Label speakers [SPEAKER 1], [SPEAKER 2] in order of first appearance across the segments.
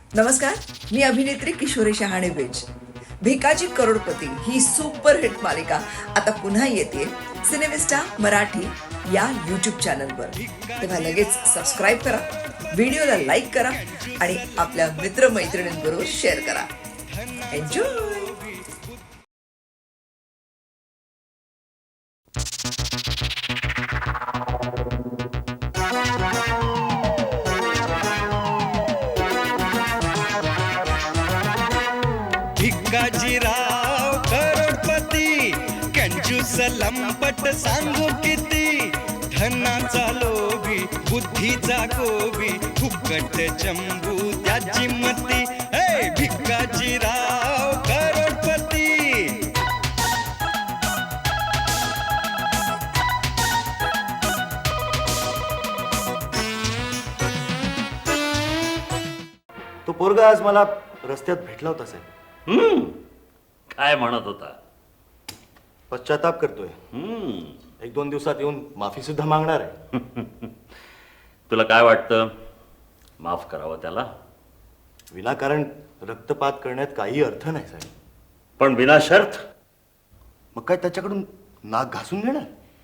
[SPEAKER 1] नमस्कार, मी अभिनेत्री किशोरी शहाणे बेज. भिकाजी करोडपती ही सुपरहिट मालिका आता पुन्हा येते सिनेमिस्टा मराठी या यूट्यूब चॅनलवर. तेव्हा लगेच सबस्क्राईब करा, व्हिडिओला लाईक करा आणि आपल्या मित्रमैत्रिणींबरोबर शेअर करा. एन्जॉय.
[SPEAKER 2] भिकाजीराव करोडपती कंजूस लंपट सांगू किती, धनाचा लोभी बुद्धीचा गोबी, फुकट चंबू त्याची मती. हे भिकाजीराव करोडपती.
[SPEAKER 3] तो पोरगा आज मला रस्त्यात भेटला होता साहेब.
[SPEAKER 4] काय म्हणत होता?
[SPEAKER 3] पश्चाताप करतोय. 1-2 दिवसात येऊन माफी सुद्धा मागणार आहे.
[SPEAKER 4] तुला काय वाटतं, माफ करावं त्याला?
[SPEAKER 3] विनाकारण रक्तपात करण्यात काही अर्थ नाही साहेब.
[SPEAKER 4] पण विना शर्त?
[SPEAKER 3] मग काय त्याच्याकडून नाक घासून घेणार?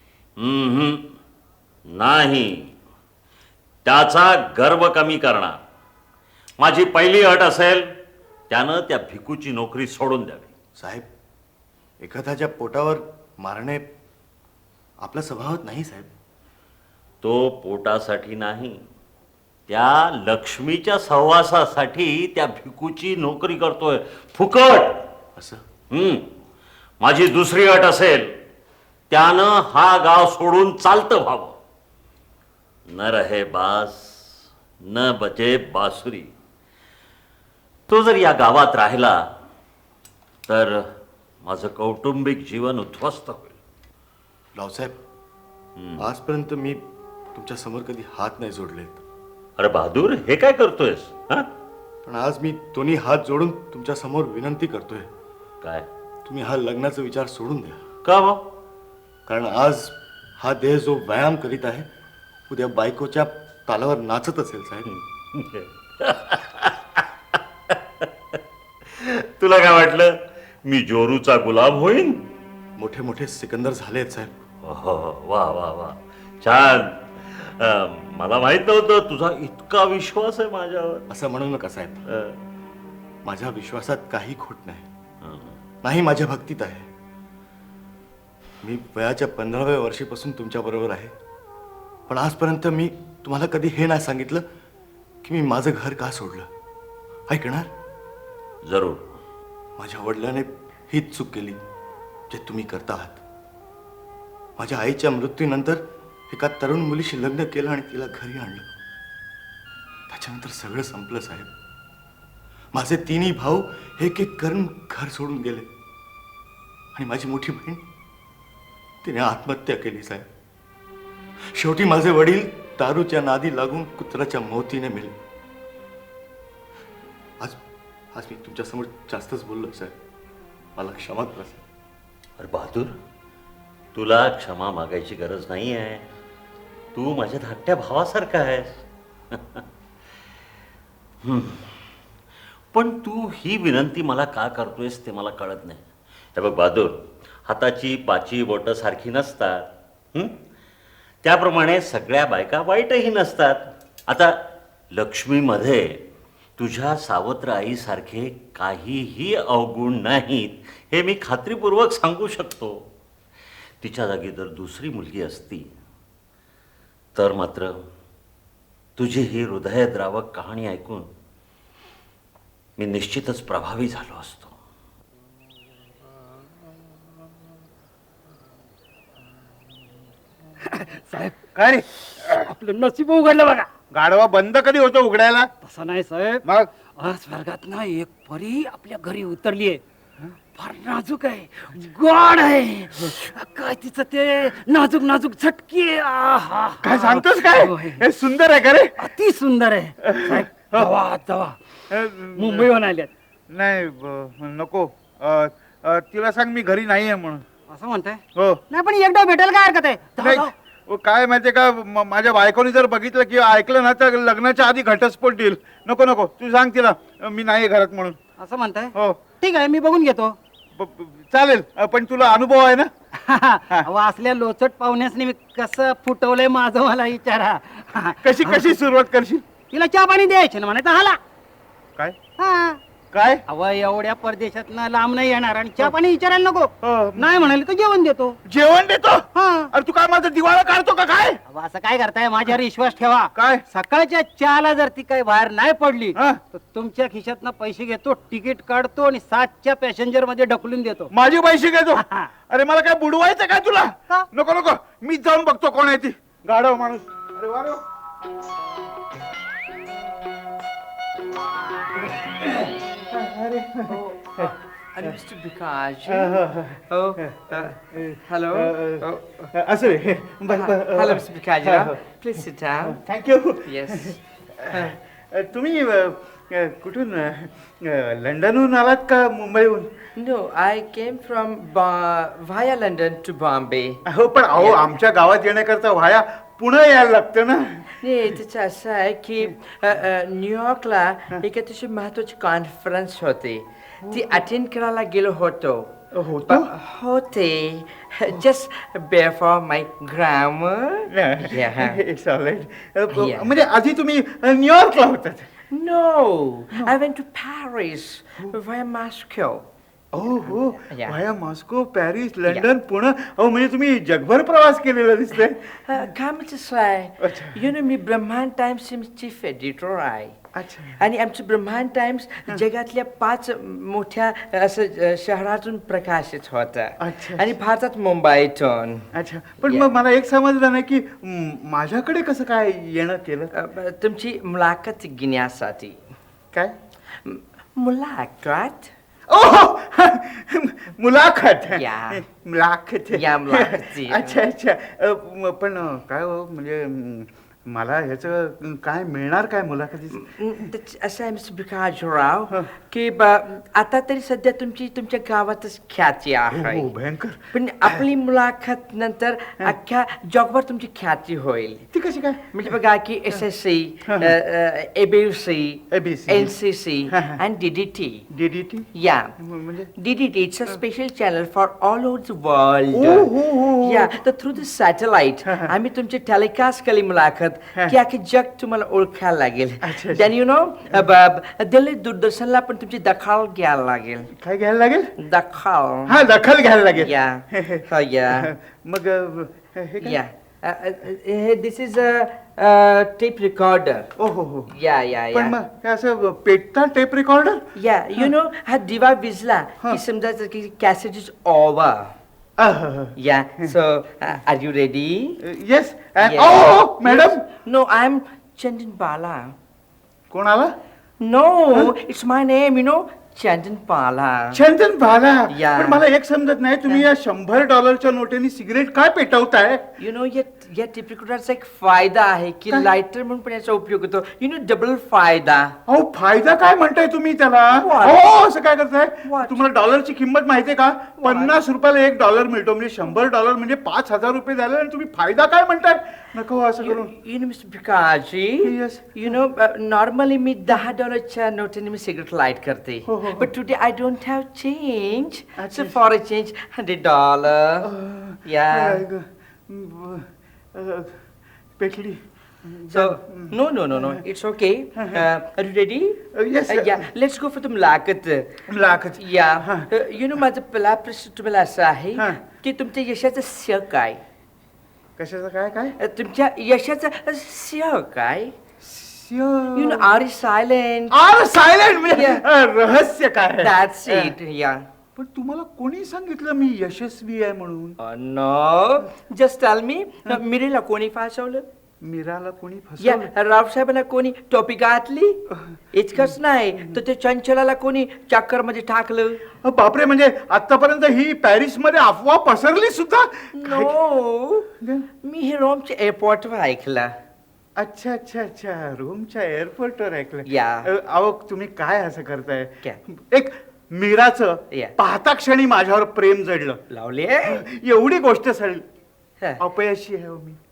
[SPEAKER 4] नाही, त्याचा गर्व कमी करणार. माझी पहिली अट असेल, त्यानं त्या भिकूची नोकरी सोडून द्यावी.
[SPEAKER 3] साहेब, एखाद्याच्या पोटावर मारणे आपल्या स्वभावात नाही साहेब.
[SPEAKER 4] तो पोटासाठी नाही, त्या लक्ष्मीच्या सहवासासाठी त्या भिकूची नोकरी करतोय, फुकट.
[SPEAKER 3] असं
[SPEAKER 4] माझी दुसरी अट असेल, त्यानं हा गाव सोडून चालतं व्हावं. न रहे बास न बजे बासुरी. तो जर या गावात राहिला तर माझं कौटुंबिक जीवन उद्ध्वस्त होईल.
[SPEAKER 3] रावसाहेब, आजपर्यंत मी तुमच्या समोर कधी हात नाही जोडलेत.
[SPEAKER 4] अरे बहादूर, हे काय करतोयस?
[SPEAKER 3] पण आज मी दोन्ही हात जोडून तुमच्या समोर विनंती करतोय,
[SPEAKER 4] काय?
[SPEAKER 3] तुम्ही हा लग्नाचा विचार सोडून द्या.
[SPEAKER 4] का बा?
[SPEAKER 3] कारण आज हा देह जो व्यायाम करीत आहे, उद्या बायकोच्या तालावर नाचत असेल साहेब.
[SPEAKER 4] तुला काय वाटलं मी जोरूचा गुलाम होईन?
[SPEAKER 3] मोठे मोठे सिकंदर झालेत साहेब.
[SPEAKER 4] वा वा वा, छान. मला माहित नव्हतं तुझा इतका विश्वास आहे माझ्यावर.
[SPEAKER 3] असं म्हणू नका साहेब. माझ्या विश्वासात काही खोट नाही, माझ्या भक्तीत आहे. मी वयाच्या 15व्या वर्षीपासून तुमच्या बरोबर आहे, पण आजपर्यंत मी तुम्हाला कधी हे नाही सांगितलं की मी माझं घर का सोडलं. ऐकणार?
[SPEAKER 4] जरूर.
[SPEAKER 3] माझ्या वडिलांनी हीच चूक केली जे तुम्ही करता आहात. माझ्या आईच्या मृत्यूनंतर एका तरुण मुलीशी लग्न केलं आणि तिला घरी आणलं. त्याच्यानंतर सगळं संपलं साहेब. माझे तिन्ही भाऊ एक एक करून घर सोडून गेले आणि माझी मोठी बहीण तिने आत्महत्या केली साहेब. शेवटी माझे वडील दारूच्या नादी लागून कुत्र्याच्या मोतीने मेले. आज मी तुमच्या समोर जास्तच बोललो साहेब, मला क्षमा करा साहेब.
[SPEAKER 4] अरे बहादूर, तुला क्षमा मागायची गरज नाही आहे. तू माझ्या धाकट्या भावासारखा आहेस. पण तू ही विनंती मला का करतोयस ते मला कळत नाही. हे बघ बहादूर, हाताची पाची बोटं सारखी नसतात. त्याप्रमाणे सगळ्या बायका वाईटही नसतात. आता लक्ष्मीमध्ये तुझ्या सावत्र आईसारखे काहीही अवगुण नाहीत, हे मी खात्रीपूर्वक सांगू शकतो. तिच्या जागी जर दुसरी मुलगी असती तर मात्र तुझी ही हृदयद्रावक कहाणी ऐकून मी निश्चितच प्रभावी झालो असतो.
[SPEAKER 5] साहेब, काय रे, आपलं नशीब उघडलं बघा.
[SPEAKER 6] गाढवा बंद कधी होतो उघडायला?
[SPEAKER 5] तसं नाही साहेब,
[SPEAKER 6] मग
[SPEAKER 5] आज स्वर्गात ना एक परी आपल्या घरी उतरली आहे. फार नाजूक आहे, गोड आहे. काय तिचं ते नाजूक नाजूक झटकी आहे. आहा.
[SPEAKER 6] काय सांगतोस काय?
[SPEAKER 5] होय.
[SPEAKER 6] हे सुंदर आहे का रे?
[SPEAKER 5] अति सुंदर आहे साहेब. जावा मुंबईहून आल्यात.
[SPEAKER 6] नाही नको. तिला सांग मी घरी नाही आहे म्हणून.
[SPEAKER 5] असं म्हणताय?
[SPEAKER 6] हो.
[SPEAKER 5] नाही, पण एकदा भेटायला काय हरकत आहे? जावा,
[SPEAKER 6] नाही,
[SPEAKER 5] जावा.
[SPEAKER 6] काय माहितीये का माझ्या बायकोनी जर बघितलं किंवा ऐकलं ना तर लग्नाच्या आधी घटस्फोट देईल. नको नको, तू सांग तिला मी नाही घरात म्हणून.
[SPEAKER 5] असं म्हणताय?
[SPEAKER 6] हो
[SPEAKER 5] ठीक आहे, मी बघून घेतो.
[SPEAKER 6] चालेल, पण तुला अनुभव आहे ना?
[SPEAKER 5] अहो, असल्या लोचट पाहुण्यासनी मी कसं फुटवलंय माझं मला विचारा.
[SPEAKER 6] कशी कशी सुरुवात करशील?
[SPEAKER 5] तिला चहा पाणी द्यायचे ना म्हणायचं हाला.
[SPEAKER 6] काय
[SPEAKER 5] हा.
[SPEAKER 6] काय?
[SPEAKER 5] अहो, एवढ्या परदेशातनं लांब नाही येणार आणि चहा पाणी विचारायला नको.
[SPEAKER 6] हो.
[SPEAKER 5] नाही म्हणाले तर जेवण देतो.
[SPEAKER 6] जेवण देतो?
[SPEAKER 5] हा.
[SPEAKER 6] अरे तू काय माझा दिवाळा काढतो का काय?
[SPEAKER 5] अहो, असं काय करताय? माझ्यावर विश्वास ठेवा.
[SPEAKER 6] काय?
[SPEAKER 5] सकाळच्या चहाला जर ती काही बाहेर नाही पडली
[SPEAKER 6] हा.
[SPEAKER 5] तर तुमच्या खिशातनं पैसे घेतो, तिकीट काढतो आणि 7च्या पॅसेंजर मध्ये ढकलून देतो.
[SPEAKER 6] माझे पैसे घेतो?
[SPEAKER 5] हा.
[SPEAKER 6] अरे मला काय बुडवायचं काय तुला?
[SPEAKER 5] का?
[SPEAKER 6] नको नको, मी जाऊन बघतो कोण आहे ती. गाढव माणूस. अरे वा रे वा.
[SPEAKER 7] Mr. Bikaji. Oh, hello.
[SPEAKER 6] असं रे.
[SPEAKER 7] Hello, Mr. Bikaji. Please sit down.
[SPEAKER 6] Thank you.
[SPEAKER 7] Yes.
[SPEAKER 6] तुम्ही कुठून लंडनहून आलात का मुंबईहून?
[SPEAKER 7] No, I came from via London to Bombay.
[SPEAKER 6] हो, पण अहो आमच्या गावात येण्याकरता व्हाया पुणे यायला लागतं ना.
[SPEAKER 7] नाही, त्याचं असं आहे की न्यूयॉर्कला एक अतिशय महत्वाची कॉन्फरन्स होती. ती अटेंड करायला गेलो होतो.
[SPEAKER 6] होतो?
[SPEAKER 7] होते. Just bear for my grammar.
[SPEAKER 6] It's all right.
[SPEAKER 7] Yeah.
[SPEAKER 6] म्हणजे आधी तुम्ही न्यूयॉर्कला होतात?
[SPEAKER 7] No, I went to Paris via Moscow.
[SPEAKER 6] हो हो.
[SPEAKER 7] Yeah.
[SPEAKER 6] Via Moscow, Paris, London, Pune. अहो म्हणजे तुम्ही जगभर प्रवास केलेला दिसतंय.
[SPEAKER 7] काम कसं आहे?
[SPEAKER 6] अच्छा.
[SPEAKER 7] You know, मी ब्रह्मांड टाइम्सचे चीफ एडिटर आहे.
[SPEAKER 6] अच्छा.
[SPEAKER 7] आणि आमचं ब्रह्मांड टाइम्स जगातल्या 5 मोठ्या असं शहरातून प्रकाशित होतं.
[SPEAKER 6] अच्छा.
[SPEAKER 7] आणि भारतात मुंबईतून.
[SPEAKER 6] अच्छा, पण
[SPEAKER 7] Yeah.
[SPEAKER 6] मग मला एक समजलं नाही की माझ्याकडे कसं काय येणं केलं?
[SPEAKER 7] तुमची मुलाखत घेण्यासाठी.
[SPEAKER 6] काय?
[SPEAKER 7] मुलाखत?
[SPEAKER 6] ओह मुलाखत.
[SPEAKER 7] Yeah.
[SPEAKER 6] मुलाखत.
[SPEAKER 7] Yeah, मुलाखती.
[SPEAKER 6] अच्छा अच्छा. पण काय हो म्हणजे मला ह्याचं काय मिळणार काय मुलाखतीच?
[SPEAKER 7] असं आहे मिस्टर भिकाजीराव की आता तरी सध्या तुमच्या गावातच ख्याती आहे.
[SPEAKER 6] हो भयंकर.
[SPEAKER 7] पण आपली मुलाखत नंतर अख्ख्या जगभर तुमची ख्याती होईल.
[SPEAKER 6] ती कशी काय?
[SPEAKER 7] म्हणजे बघा की SSC, ABC,
[SPEAKER 6] ABC.
[SPEAKER 7] NCC and DDT.
[SPEAKER 6] DDT?
[SPEAKER 7] Yeah.
[SPEAKER 6] म्हणजे
[SPEAKER 7] DDT, it's a special channel for all over the world.
[SPEAKER 6] Oh.
[SPEAKER 7] Yeah, तर through the satellite आम्ही तुमची टेलिकास्ट केली मुलाखत की अख्खे जग तुम्हाला ओळखायला लागेल.
[SPEAKER 6] अच्छा.
[SPEAKER 7] देन यू नो दिल्ली दूरदर्शनला पण तुमची दखल घ्यायला लागेल.
[SPEAKER 6] काय घ्यायला लागेल?
[SPEAKER 7] दखल.
[SPEAKER 6] हा दखल घ्यायला लागेल.
[SPEAKER 7] या या
[SPEAKER 6] मग हे काय?
[SPEAKER 7] Yeah this is a tape recorder.
[SPEAKER 6] ओ हो हो.
[SPEAKER 7] या या
[SPEAKER 6] पण
[SPEAKER 7] या
[SPEAKER 6] मग हे असं पेटता tape recorder?
[SPEAKER 7] Yeah you know हा दिवा विजला की समजायचं की cassette is over. Yeah, so are you ready?
[SPEAKER 6] Yes.
[SPEAKER 7] Yes.
[SPEAKER 6] Oh madam.
[SPEAKER 7] No, I'm Chandan Bala.
[SPEAKER 6] कोण आला?
[SPEAKER 7] No, it's my name, you know, Chandan Bala.
[SPEAKER 6] चंदन भाला.
[SPEAKER 7] Yeah.
[SPEAKER 6] पण मला एक समजत नाही, तुम्ही या $100 नोटेनी सिगरेट काय पेटवताय?
[SPEAKER 7] You know, या टेप रेकॉर्डरचा एक फायदा आहे की
[SPEAKER 6] काय?
[SPEAKER 7] लायटर म्हणून पण याचा उपयोग होतो. You know, डबल फायदा.
[SPEAKER 6] अहो फायदा काय म्हणताय तुम्ही त्याला?
[SPEAKER 7] What?
[SPEAKER 6] हो असं काय करताय?
[SPEAKER 7] What?
[SPEAKER 6] तुम्हाला डॉलरची किंमत माहितीये का? 50 रुपयाला $1 मिळतो, म्हणजे $100 म्हणजे $5,000 झाले आणि तुम्ही फायदा काय म्हणताय? नको असं करून.
[SPEAKER 7] You know, Mr. Bikaji,
[SPEAKER 6] Yes.
[SPEAKER 7] you know, normally मी $10च्या नोटेने मी सिगरेट लाईट करते.
[SPEAKER 6] हो, हो, हो.
[SPEAKER 7] But today I don't have change.
[SPEAKER 6] अच्छा.
[SPEAKER 7] So for a change, $100. Yeah.
[SPEAKER 6] पेटली.
[SPEAKER 7] So, no, it's okay. Are you ready?
[SPEAKER 6] Yes, sir.
[SPEAKER 7] Yeah, let's go for the मुलाखत.
[SPEAKER 6] मुलाखत.
[SPEAKER 7] Yeah. You know, माझा पहिला प्रश्न तुम्हाला असा आहे
[SPEAKER 6] हा.
[SPEAKER 7] की तुमच्या यशाचं श्रेय काय?
[SPEAKER 6] कशाचं काय काय?
[SPEAKER 7] तुमच्या यशाचं श्रेय काय? You know, are you silent?
[SPEAKER 6] Are silent म्हणजे
[SPEAKER 7] Yeah.
[SPEAKER 6] रहस्य काय?
[SPEAKER 7] That's it. Yeah.
[SPEAKER 6] पण तुम्हाला कोणी सांगितलं मी यशस्वी आहे म्हणून?
[SPEAKER 7] No. Just tell me. मिरीला कोणी फासवलं?
[SPEAKER 6] मीराला कोणी
[SPEAKER 7] या
[SPEAKER 6] फसवलं?
[SPEAKER 7] रावसाहेबांना कोणी टोपी घातली? इतकंच नाही तर ते चंचलाला कोणी चक्कर मध्ये टाकलं?
[SPEAKER 6] बापरे, म्हणजे आतापर्यंत ही पॅरिस मध्ये अफवा पसरली सुद्धा?
[SPEAKER 7] नो, मी हे रोमच्या एअरपोर्टवर ऐकलं.
[SPEAKER 6] अच्छा अच्छा अच्छा, रोमच्या एअरपोर्टवर ऐकलं?
[SPEAKER 7] Yeah.
[SPEAKER 6] अहो तुम्ही काय असं करताय?
[SPEAKER 7] काय?
[SPEAKER 6] एक मीराचं
[SPEAKER 7] Yeah.
[SPEAKER 6] पाहता क्षणी माझ्यावर प्रेम जडलं,
[SPEAKER 7] लावले.
[SPEAKER 6] एवढी गोष्ट सडली. अपयशी आहे हो मी.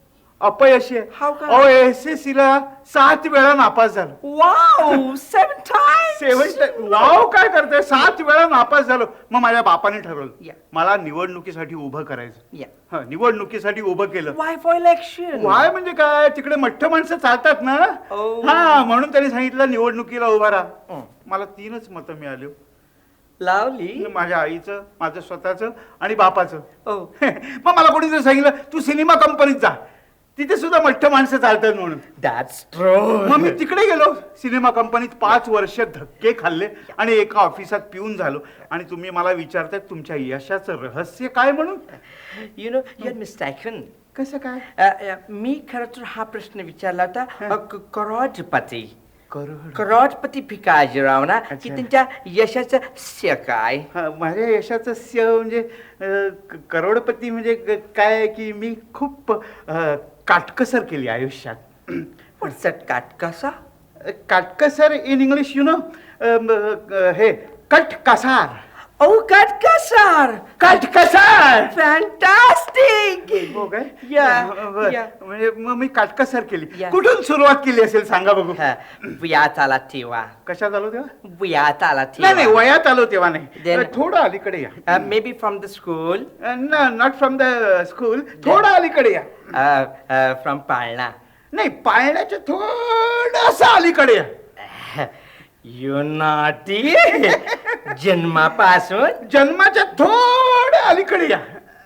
[SPEAKER 6] अपयशी आहे.
[SPEAKER 7] How come?
[SPEAKER 6] अहो SSC ला 7 वेळा नापास झालो.
[SPEAKER 7] Wow, 7 times.
[SPEAKER 6] वाव काय करताय, 7 वेळा नापास झालो. मग माझ्या बापाने ठरवलं
[SPEAKER 7] Yeah.
[SPEAKER 6] मला निवडणुकीसाठी उभं करायचं.
[SPEAKER 7] Yeah.
[SPEAKER 6] हं, निवडणुकीसाठी उभं केलं.
[SPEAKER 7] Why for election?
[SPEAKER 6] वाय म्हणजे काय, तिकडे मठ्ठ माणसं चालतात ना.
[SPEAKER 7] Oh.
[SPEAKER 6] हा म्हणून त्यांनी सांगितलं निवडणुकीला उभा राहा. मला 3च मतं मिळाली.
[SPEAKER 7] Lovely.
[SPEAKER 6] माझ्या आईचं, माझं स्वतःचं आणि बापाचं.
[SPEAKER 7] Oh.
[SPEAKER 6] मग मला कोणीतरी सांगितलं तू सिनेमा कंपनीत जा, तिथे सुद्धा मठ्ठ माणसं चालतात म्हणून.
[SPEAKER 7] That's true.
[SPEAKER 6] मग मी तिकडे गेलो. सिनेमा कंपनीत 5 वर्ष धक्के खाल्ले आणि एका ऑफिसात पिऊन झालो. आणि तुम्ही मला विचारताय तुमच्या यशाचं रहस्य काय म्हणून.
[SPEAKER 7] You know, you're mistaken.
[SPEAKER 6] कसं काय.
[SPEAKER 7] मी खरं तर हा प्रश्न विचारला होता करोडपती
[SPEAKER 6] करोड.
[SPEAKER 7] करोडपती भिकाजीराव ना की
[SPEAKER 6] अच्छा.
[SPEAKER 7] त्यांच्या यशाचं श्रेय काय.
[SPEAKER 6] हा, माझ्या यशाचं स्य म्हणजे करोडपती म्हणजे काय आहे की मी खूप काटकसर केली आयुष्यात.
[SPEAKER 7] What's that काटकसा.
[SPEAKER 6] काटकसर इन इंग्लिश यु नो हे कटकसार.
[SPEAKER 7] Oh, काटकसार.
[SPEAKER 6] काटकसार.
[SPEAKER 7] Fantastic.
[SPEAKER 6] हो काय.
[SPEAKER 7] Yeah,
[SPEAKER 6] बरं.
[SPEAKER 7] yeah.
[SPEAKER 6] म्हणजे मग मी काटकसर केली.
[SPEAKER 7] Yeah.
[SPEAKER 6] कुठून सुरुवात केली असेल सांगा बघू.
[SPEAKER 7] वयात आला तेव्हा.
[SPEAKER 6] कशात आलो तेव्हा.
[SPEAKER 7] वयात आला
[SPEAKER 6] नाही नाही
[SPEAKER 7] तेव्हा.
[SPEAKER 6] वयात आलो तेव्हा नाही.
[SPEAKER 7] Then-
[SPEAKER 6] थोडं अलीकडे या.
[SPEAKER 7] May be from the school.
[SPEAKER 6] Not from the school. थोडं अलीकडे या.
[SPEAKER 7] फ्रॉम पाळणा.
[SPEAKER 6] नाही पाळण्याच्या थोडस अलीकडे या.
[SPEAKER 7] You naughty. जन्मापासून.
[SPEAKER 6] जन्माच्या थोडं अलीकडे या.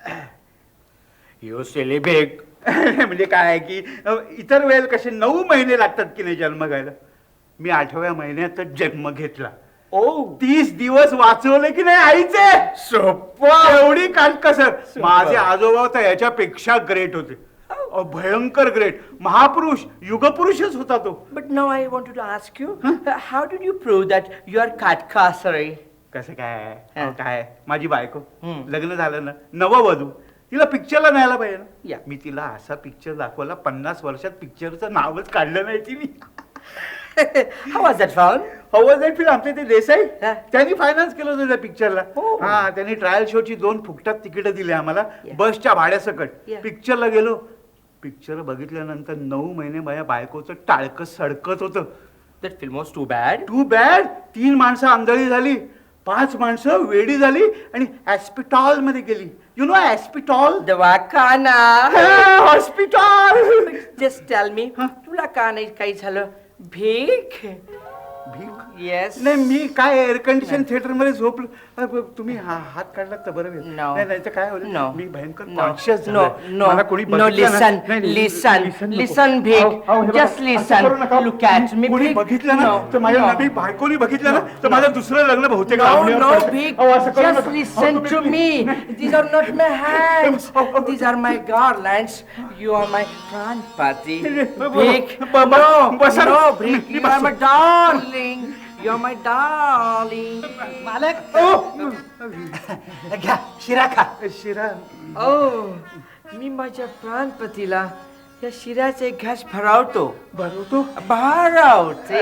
[SPEAKER 7] यू सिलिबेग.
[SPEAKER 6] म्हणजे काय आहे की इतर वेळेला कसे 9 महिने लागतात की नाही जन्म घ्यायला. मी 8व्या महिन्यातच जन्म घेतला.
[SPEAKER 7] ओ
[SPEAKER 6] 30 दिवस वाचवले की नाही आईचे.
[SPEAKER 7] सोपं.
[SPEAKER 6] एवढी काटकसर. माझे आजोबा तर याच्यापेक्षा ग्रेट होते. भयंकर ग्रेट. महापुरुष युगपुरुषच होता तो.
[SPEAKER 7] But now I wanted to ask you, how did you prove that you are काटकसरी?
[SPEAKER 6] कसं काय
[SPEAKER 7] हा.
[SPEAKER 6] काय माझी बायको
[SPEAKER 7] हम्म.
[SPEAKER 6] लग्न झालं ना नववधू तिला पिक्चरला न्यायला पाहिजे ना.
[SPEAKER 7] या.
[SPEAKER 6] मी तिला असा पिक्चर दाखवला 50 वर्षात पिक्चरचं नावच काढलं नाही तिने.
[SPEAKER 7] How was that found?
[SPEAKER 6] हवं जाईल फिल्म आमचे ते देसाई
[SPEAKER 7] हा.
[SPEAKER 6] त्यांनी फायनान्स केलं होतं त्या पिक्चरला.
[SPEAKER 7] हो.
[SPEAKER 6] हा त्यांनी ट्रायल शोची 2 फुकटात तिकीट दिली आम्हाला
[SPEAKER 7] Yeah.
[SPEAKER 6] बसच्या भाड्यासकट.
[SPEAKER 7] Yeah.
[SPEAKER 6] पिक्चरला गेलो. पिक्चर बघितल्यानंतर 9 महिने माझ्या बायकोचं टाळकं सडकत होतं.
[SPEAKER 7] That film was too bad.
[SPEAKER 6] Too bad. 3 माणसं आंधळी झाली, 5 माणसं वेडी झाली आणि हॉस्पिटल मध्ये गेली. You know hospital.
[SPEAKER 7] दवाखाना.
[SPEAKER 6] हॉस्पिटल.
[SPEAKER 7] Just tell me, तुला का नाही काही झालं. भीक.
[SPEAKER 6] भीक.
[SPEAKER 7] Yes.
[SPEAKER 6] नाही मी काय एअर कंडिशन थिएटर मध्ये झोपलो. तुम्ही हात काढलात तर बरं होईल.
[SPEAKER 7] No.
[SPEAKER 6] नाही तर काय होईल.
[SPEAKER 7] No.
[SPEAKER 6] मी भयंकर
[SPEAKER 7] No.
[SPEAKER 6] Conscious
[SPEAKER 7] No. No.
[SPEAKER 6] मला कोणी
[SPEAKER 7] No.
[SPEAKER 6] बघितलं ना-
[SPEAKER 7] Listen.
[SPEAKER 6] नाही, नाही,
[SPEAKER 7] Listen.
[SPEAKER 6] नको.
[SPEAKER 7] Listen, भीक.
[SPEAKER 6] अहो, हे बघा,
[SPEAKER 7] Just
[SPEAKER 6] असं
[SPEAKER 7] listen.
[SPEAKER 6] करू नका.
[SPEAKER 7] Look at me,
[SPEAKER 6] कोणी
[SPEAKER 7] भीक.
[SPEAKER 6] बघितलं ना
[SPEAKER 7] No.
[SPEAKER 6] तर माझ्या
[SPEAKER 7] No.
[SPEAKER 6] नवी बायकोनी बघितलं ना तर माझं दुसरं लग्न बहुतेक
[SPEAKER 7] No,
[SPEAKER 6] लावणीवर
[SPEAKER 7] no,
[SPEAKER 6] पडतं.
[SPEAKER 7] Vic.
[SPEAKER 6] अहो, असं करू
[SPEAKER 7] Just
[SPEAKER 6] नका.
[SPEAKER 7] listen
[SPEAKER 6] अहो,
[SPEAKER 7] to
[SPEAKER 6] तुम्ही-
[SPEAKER 7] me. These are not my hands. These are my garlands. You are my Pranpati. Vic.
[SPEAKER 6] बाबा,
[SPEAKER 7] No,
[SPEAKER 6] बसा.
[SPEAKER 7] no, Vic. You are my darling. You are my darling.
[SPEAKER 5] मालक
[SPEAKER 6] ओ,
[SPEAKER 5] घ्या शिरा खा.
[SPEAKER 6] शिरा.
[SPEAKER 7] Oh, मी माझ्या प्राणपतीला या शिऱ्याचे घास भरावतो.
[SPEAKER 6] भरवतो.
[SPEAKER 7] भरावते.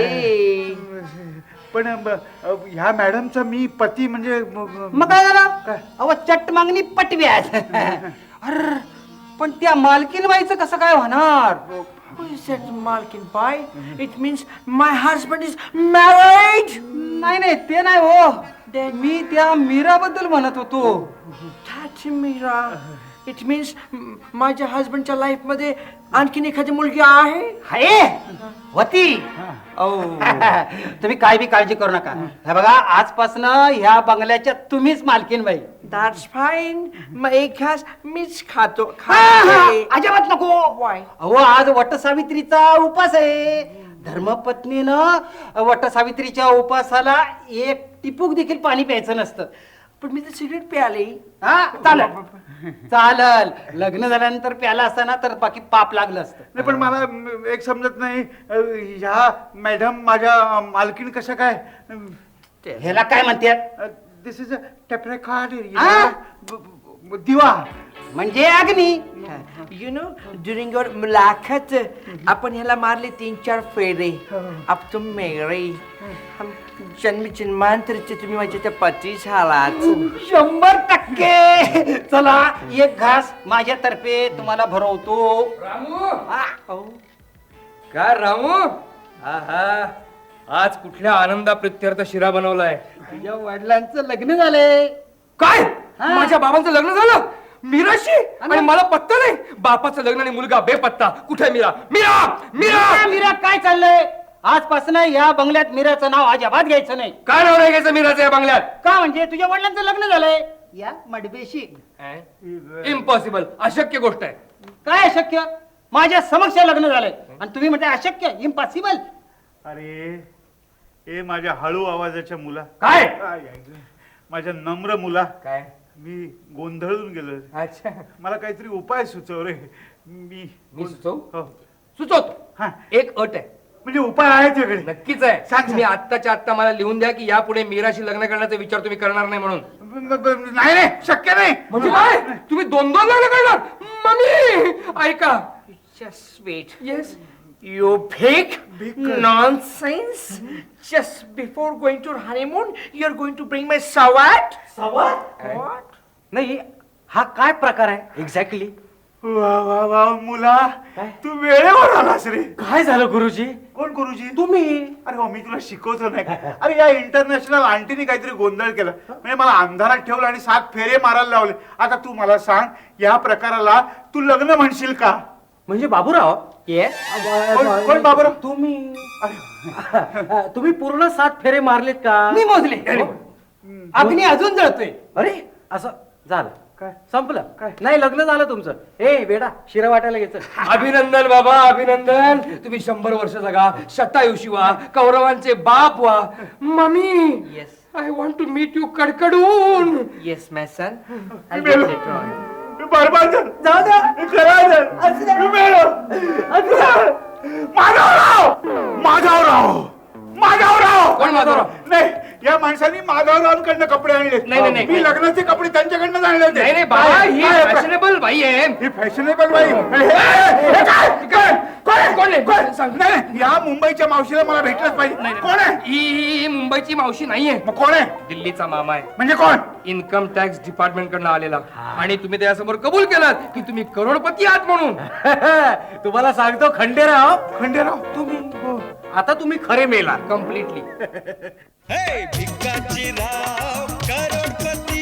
[SPEAKER 6] पण ह्या मॅडमचा मी पती म्हणजे
[SPEAKER 5] मग काय झालं.
[SPEAKER 6] काय?
[SPEAKER 5] अहो चट मागणी पटवी आहे. अर पण त्या मालकीन बाईचं कसं काय होणार.
[SPEAKER 7] Who is that Malkin Bai? It means my husband is married.
[SPEAKER 5] नाही नाही ते नाही हो. मी त्या मीराबद्दल म्हणत होतो.
[SPEAKER 7] That Mira. It means माझ्या हस्बंडच्या लाईफ मध्ये आणखीन एखादी मुलगी आहे.
[SPEAKER 5] हाय होती. तुम्ही काय बी काळजी करू नका. हे बघा आजपासून ह्या बंगल्याच्या तुम्हीच मालकीन बाई.
[SPEAKER 7] That's fine. मग एक घास मीच खातो.
[SPEAKER 5] अजिबात नको.
[SPEAKER 7] Why?
[SPEAKER 5] अहो आज वटसावित्रीचा उपास आहे. धर्मपत्नीनं वटसावित्रीच्या उपासाला एक टिपूक देखील पाणी प्यायचं नसतं.
[SPEAKER 7] पण मी तर सिगरेट प्याले.
[SPEAKER 5] हा चालल. लग्न झाल्यानंतर प्याला असताना तर बाकी पाप लागलं असतं.
[SPEAKER 6] नाही पण मला एक समजत नाही ह्या मॅडम माझ्या मालकीण कशा काय.
[SPEAKER 5] ह्याला काय म्हणतात.
[SPEAKER 6] दिस इज अ टेपरेकार्ड
[SPEAKER 5] आ?
[SPEAKER 6] दिवा.
[SPEAKER 5] म्हणजे अग्नी.
[SPEAKER 7] You know, during your मुलाखत आपण ह्याला मारले 3-4 फेरे. अब तुम मेरे. हम जन्मी जन्मांतरचे तुम्ही माझे त्या पती झालात.
[SPEAKER 5] 100%. चला एक घास माझ्यातर्फे तुम्हाला भरवतो.
[SPEAKER 8] का रामू आहा आज कुठल्या आनंदा प्रत्यर्थ शिरा बनवलाय?
[SPEAKER 5] तुझ्या वडिलांचं लग्न झालंय.
[SPEAKER 8] काय माझ्या बाबांचं लग्न झालं मीराशी आणि मला पत्ता नाही. बापाचं लग्न आणि मुलगा बेपत्ता. कुठे मीरा? मीरा मीरा
[SPEAKER 5] मीरा काय चाललंय? आजपासून या बंगल्यात मीराचं नाव अजिबात घ्यायचं नाही.
[SPEAKER 8] काय नाव नाही घ्यायचं मीराचं या बंगल्यात?
[SPEAKER 5] का म्हणजे तुझ्या वडिलांचं लग्न झालंय या मडबेशी.
[SPEAKER 8] इम्पॉसिबल, अशक्य गोष्ट आहे.
[SPEAKER 5] काय अशक्य? माझ्या समक्ष लग्न झालंय आणि तुम्ही म्हणताय अशक्य, इम्पॉसिबल.
[SPEAKER 6] अरे ए माझ्या हळू आवाजाच्या मुला,
[SPEAKER 8] काय?
[SPEAKER 6] माझ्या नम्र मुला,
[SPEAKER 8] काय?
[SPEAKER 6] मी गोंधळून गेलो.
[SPEAKER 8] अच्छा
[SPEAKER 6] मला काहीतरी उपाय सुचव रे. मी
[SPEAKER 8] सुचवू?
[SPEAKER 6] हो.
[SPEAKER 8] सुचवतो.
[SPEAKER 6] हा.
[SPEAKER 8] एक अट आहे.
[SPEAKER 6] म्हणजे उपाय आहे तुझ्याकडे?
[SPEAKER 8] नक्कीच आहे.
[SPEAKER 6] सांग.
[SPEAKER 8] तुम्ही आत्ताच्या आत्ता मला लिहून द्या की यापुढे मीराशी लग्न करण्याचा विचार तुम्ही करणार नाही म्हणून.
[SPEAKER 6] नाही रे, शक्य नाही.
[SPEAKER 8] म्हणजे काय? तुम्ही दोन लग्न करणार? मम्मी ऐका.
[SPEAKER 7] Just wait.
[SPEAKER 8] Yes.
[SPEAKER 7] You big nonsense. Just before going to honeymoon, you're going to bring my sawat? What?
[SPEAKER 5] नाही हा काय प्रकार आहे एक्झॅक्टली?
[SPEAKER 6] वा वा वा मुला, तू वेळेवर आलास रे.
[SPEAKER 5] काय झालं गुरुजी?
[SPEAKER 6] कोण गुरुजी?
[SPEAKER 5] तुम्ही.
[SPEAKER 6] अरे हो, मी तुला शिकवतो नाही का? अरे या इंटरनॅशनल आंटीने काहीतरी गोंधळ केला, म्हणजे मला अंधारात ठेवलं आणि 7 फेरे मारायला लावले. आता तू मला सांग, या प्रकाराला तू लग्न म्हणशील का?
[SPEAKER 5] म्हणजे बाबूराव?
[SPEAKER 7] Yes?
[SPEAKER 6] कोण बाबूराव?
[SPEAKER 5] तुम्ही पूर्ण 7 फेरे मारलेत का?
[SPEAKER 8] मी मोजले. अग्नी अजून जळतोय.
[SPEAKER 5] अरे असं झालं काय? संपलं काय? नाही लग्न झालं तुमचं. ए वेडा शिरा वाटायला घ्यायचं.
[SPEAKER 8] अभिनंदन बाबा, अभिनंदन. तुम्ही 100 वर्ष जगा, शतायुषी व्हा, कौरवांचे बाप व्हा. Mummy,
[SPEAKER 7] Yes.
[SPEAKER 8] I want to meet you कडकडून.
[SPEAKER 7] Yes, my son. I'll get it on.
[SPEAKER 6] मी बरबाद झालो. मी खराब झालो. मी मेलो. माधवराव.
[SPEAKER 8] कोण माधवराव?
[SPEAKER 6] नाही, या माणसांनी माधवरावांकडनं कपडे आणले.
[SPEAKER 8] नाही, नाही.
[SPEAKER 6] मी लग्नाचे कपडे त्यांच्याकडनं आणले होते.
[SPEAKER 8] नाही नाही बाबा, ही फॅशनेबल बाई आहे.
[SPEAKER 6] ही फॅशनेबल बाई.
[SPEAKER 8] कोण आहे? सांग.
[SPEAKER 6] नाही, या मुंबईच्या मावशीला मला भेटलंच पाहिजे. कोण आहे?
[SPEAKER 8] ही मुंबईची मावशी नाहीये,
[SPEAKER 6] मग कोण आहे?
[SPEAKER 8] दिल्लीचा मामा आहे.
[SPEAKER 6] म्हणजे कोण?
[SPEAKER 8] इन्कम टॅक्स डिपार्टमेंट कडनं आलेला. आणि तुम्ही त्यासमोर कबूल केलात की तुम्ही करोडपती आहात म्हणून.
[SPEAKER 5] तुम्हाला सांगतो खंडेराव,
[SPEAKER 6] खंडेराव.
[SPEAKER 5] तुम्ही आता तुम्ही खरे मेला.
[SPEAKER 8] कम्प्लिटली.
[SPEAKER 2] हे भिकाजी राव करोडपती